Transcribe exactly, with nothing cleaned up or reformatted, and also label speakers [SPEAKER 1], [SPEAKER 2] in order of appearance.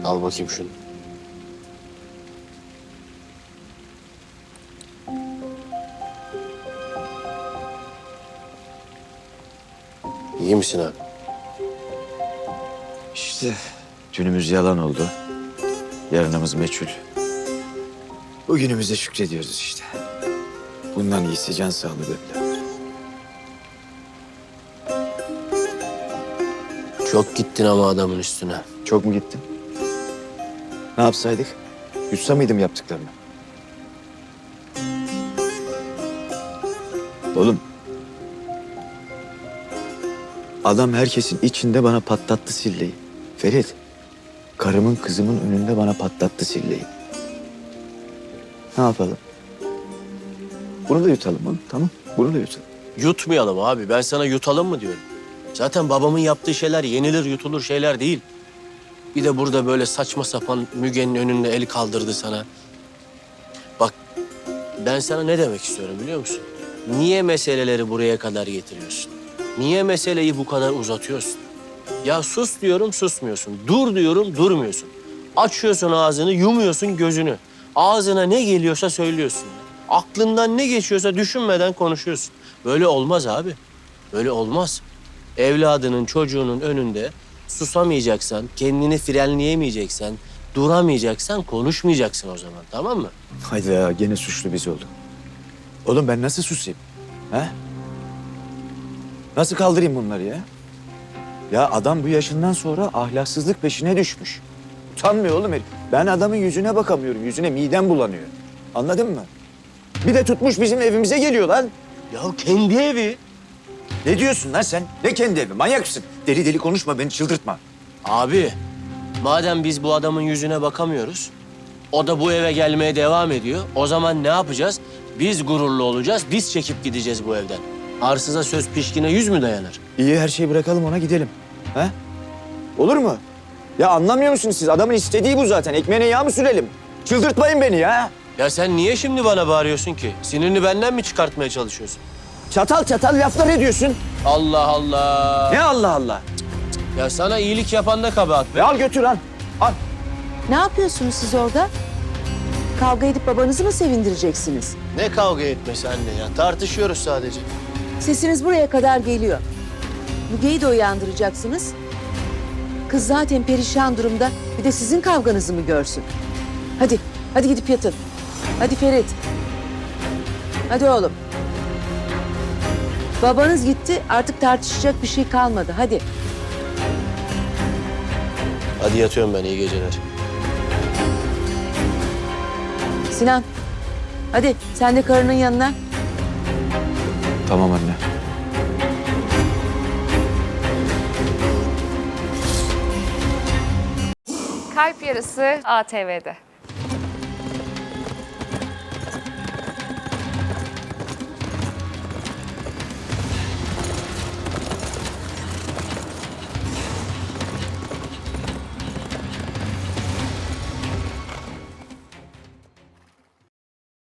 [SPEAKER 1] Al bakayım şunu. İyi misin abi?
[SPEAKER 2] İşte dünümüz yalan oldu. Yarınımız meçhul. Bugünümüze şükrediyoruz işte. Bundan iyisi can sağlığı be birader.
[SPEAKER 1] Çok gittin ama adamın üstüne.
[SPEAKER 2] Çok mu gittin? Ne yapsaydık? Yutsa mıydım yaptıklarını? Oğlum. Adam herkesin içinde bana patlattı silleyi. Ferit, karımın kızımın önünde bana patlattı silleyi. Ne yapalım? Bunu da yutalım oğlum, tamam? Bunu da yutalım.
[SPEAKER 1] Yutmayalım abi. Ben sana yutalım mı diyorum. Zaten babamın yaptığı şeyler yenilir yutulur şeyler değil. Bir de burada böyle saçma sapan Müge'nin önünde el kaldırdı sana. Bak ben sana ne demek istiyorum biliyor musun? Niye meseleleri buraya kadar getiriyorsun? Niye meseleyi bu kadar uzatıyorsun? Ya sus diyorum susmuyorsun. Dur diyorum durmuyorsun. Açıyorsun ağzını yumuyorsun gözünü. Ağzına ne geliyorsa söylüyorsun. Aklından ne geçiyorsa düşünmeden konuşuyorsun. Böyle olmaz abi. Böyle olmaz. Evladının, çocuğunun önünde susamayacaksan, kendini frenleyemeyeceksen, duramayacaksan konuşmayacaksın o zaman, tamam mı?
[SPEAKER 2] Haydi ya, gene suçlu biz olduk. Oğlum ben nasıl susayım? He? Nasıl kaldırayım bunları ya? Ya adam bu yaşından sonra ahlaksızlık peşine düşmüş. Utanmıyor oğlum herif. Ben adamın yüzüne bakamıyorum. Yüzüne midem bulanıyor. Anladın mı? Bir de tutmuş bizim evimize geliyor lan.
[SPEAKER 1] Ya kendi evi.
[SPEAKER 2] Ne diyorsun lan sen? Ne kendi evi? Manyak mısın? Deli deli konuşma, beni çıldırtma.
[SPEAKER 1] Abi, madem biz bu adamın yüzüne bakamıyoruz, o da bu eve gelmeye devam ediyor. O zaman ne yapacağız? Biz gururlu olacağız, biz çekip gideceğiz bu evden. Arsıza söz pişkine yüz mü dayanır?
[SPEAKER 2] İyi, her şeyi bırakalım, ona gidelim. He? Olur mu? Ya anlamıyor musunuz siz? Adamın istediği bu zaten. Ekmeğine yağ mı sürelim? Çıldırtmayın beni ya.
[SPEAKER 1] Ya sen niye şimdi bana bağırıyorsun ki? Sinirini benden mi çıkartmaya çalışıyorsun?
[SPEAKER 2] Çatal çatal laflar ediyorsun.
[SPEAKER 1] Allah Allah.
[SPEAKER 2] Ne Allah Allah?
[SPEAKER 1] Ya sana iyilik yapan da kabahat be.
[SPEAKER 2] Ve al götür lan. Al.
[SPEAKER 3] Ne yapıyorsunuz siz orada? Kavga edip babanızı mı sevindireceksiniz?
[SPEAKER 1] Ne kavga etmesi anne ya? Tartışıyoruz sadece.
[SPEAKER 3] Sesiniz buraya kadar geliyor. Müge'yi de uyandıracaksınız. Kız zaten perişan durumda. Bir de sizin kavganızı mı görsün? Hadi, hadi gidip yatın. Hadi Ferit. Hadi oğlum. Babanız gitti, artık tartışacak bir şey kalmadı. Hadi.
[SPEAKER 1] Hadi yatıyorum ben, iyi geceler.
[SPEAKER 3] Sinan, hadi sen de karının yanına.
[SPEAKER 2] Tamam anne.
[SPEAKER 4] Kalp Yarısı A T V'de.